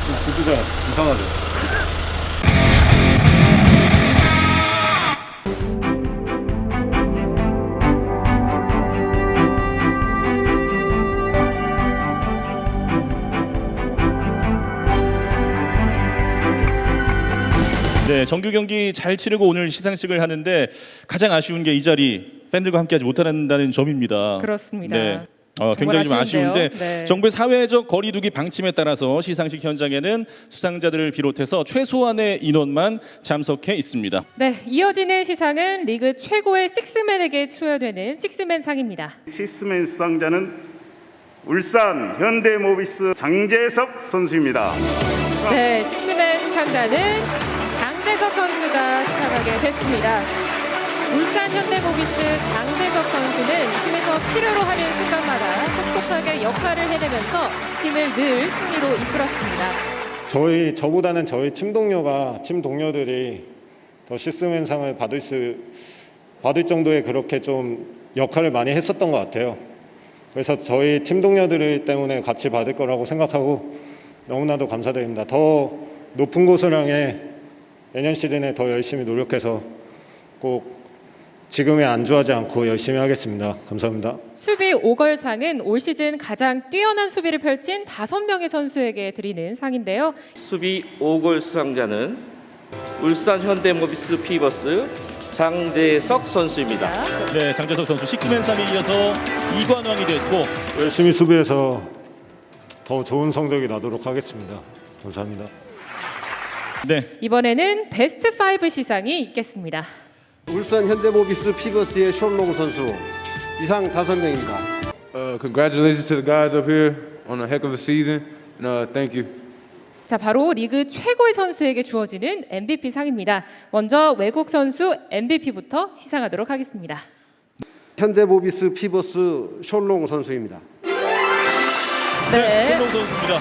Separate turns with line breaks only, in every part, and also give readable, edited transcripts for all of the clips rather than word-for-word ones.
구두가 이상하죠.
네, 정규 경기 잘 치르고 오늘 시상식을 하는데 가장 아쉬운 게 이 자리 팬들과 함께하지 못한다는 점입니다.
그렇습니다.
네. 굉장히 좀 아쉬운데
네.
정부의 사회적 거리두기 방침에 따라서 시상식 현장에는 수상자들을 비롯해서 최소한의 인원만 참석해 있습니다.
네, 이어지는 시상은 리그 최고의 식스맨에게 수여되는 식스맨상입니다.
식스맨 수상자는 울산 현대모비스 장재석 선수입니다.
네, 식스맨 수상자는 장재석 선수가 수상하게 됐습니다. 울산 현대모비스 장재석 선수는 팀에서 필요로 하는 순간마다 똑똑하게 역할을 해내면서 팀을 늘 승리로 이끌었습니다.
저보다는 저희 팀 동료들이 더 식스맨상을 받을 정도의 그렇게 좀 역할을 많이 했었던 것 같아요. 그래서 저희 팀 동료들 때문에 같이 받을 거라고 생각하고 너무나도 감사드립니다. 더 높은 곳을 향해 내년 시즌에 더 열심히 노력해서 꼭 지금에 안주하지 않고 열심히 하겠습니다. 감사합니다.
수비 5걸상은 올 시즌 가장 뛰어난 수비를 펼친 5명의 선수에게 드리는 상인데요.
수비 5골 수상자는 울산 현대모비스 피버스 장재석 선수입니다.
네, 장재석 선수 식스맨상에 이어서 이관왕이 됐고
열심히 수비해서 더 좋은 성적이 나도록 하겠습니다. 감사합니다.
네,
이번에는 베스트 5 시상이 있겠습니다.
울산 현대모비스 피버스의 셜록 선수 이상 5명입니다.
Congratulations to the guys up here on a heck of a season. And, thank you.
자, 바로 리그 최고의 선수에게 주어지는 MVP 상입니다. 먼저 외국 선수 MVP부터 시상하도록 하겠습니다.
현대모비스 피버스 셜록 선수입니다.
네,
손동 선수입니다.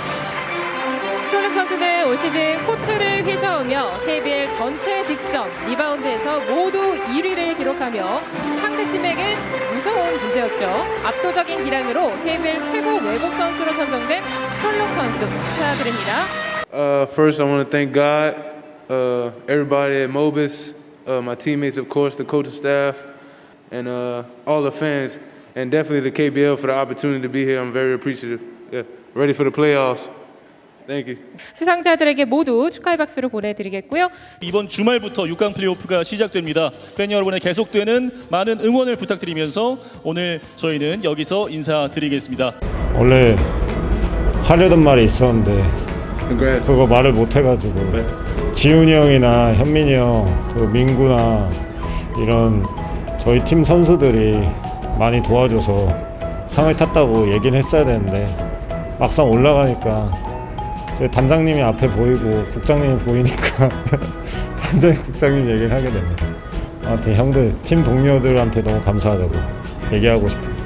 숄록 선수는 올 시즌 코트를 휘저으며 KBL 전체 득점, 리바운드에서 모두 1위를 기록하며 상대팀에게 무서운 존재였죠. 압도적인 기량으로 KBL 최고 외국 선수로 선정된 숄록 선수 축하드립니다.
First, I want to thank God, everybody at Mobis, my teammates, of course, the coaching staff, and all the fans, and definitely the KBL for the opportunity to be here. I'm very appreciative. Yeah, ready for the playoffs. Thank you.
수상자들에게 모두 축하의 박수를 보내드리겠고요.
이번 주말부터 6강 플레이오프가 시작됩니다. 팬 여러분의 계속되는 많은 응원을 부탁드리면서 오늘 저희는 여기서 인사드리겠습니다.
원래 하려던 말이 있었는데 그거 말을 못 해가지고 지훈이 형이나 현민이 형, 그 민구나 이런 저희 팀 선수들이 많이 도와줘서 상을 탔다고 얘기는 했어야 되는데 막상 올라가니까 저희 단장님이 앞에 보이고 국장님이 보이니까 단장님 국장님 얘기를 하게 됩니다. 아무튼 형들 팀 동료들한테 너무 감사하다고 얘기하고 싶어요.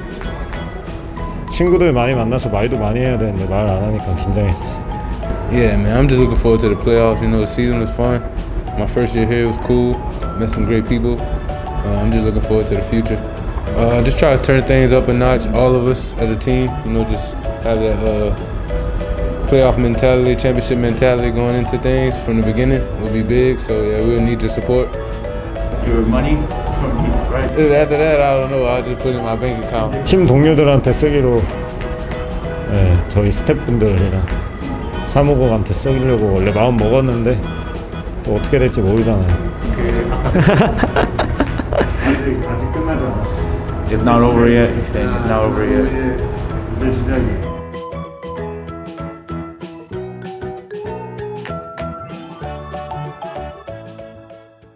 친구들 많이 만나서 말도 많이 해야 되는데 말 안 하니까 긴장했어.
Yeah, man, I'm just looking forward to the playoffs. You know, the season was fun. My first year here was cool. Met some great people. I'm just looking forward to the future. Just try to turn things up a notch, all of us as a team. You know, just have that playoff mentality, championship mentality going into things from the beginning will be big. So yeah, we'll need your support.
Your money from me, right?
After that, I don't know. I'll just put it in my bank account.
팀 동료들한테 쓰기로 저희 스태프분들이랑 사무국한테 쓰려고 원래 마음 먹었는데 또 어떻게 될지 모르잖아요.
아직 끝나지 않았어.
It's not over yet. He's saying it's not over yet.
이제 시작이야.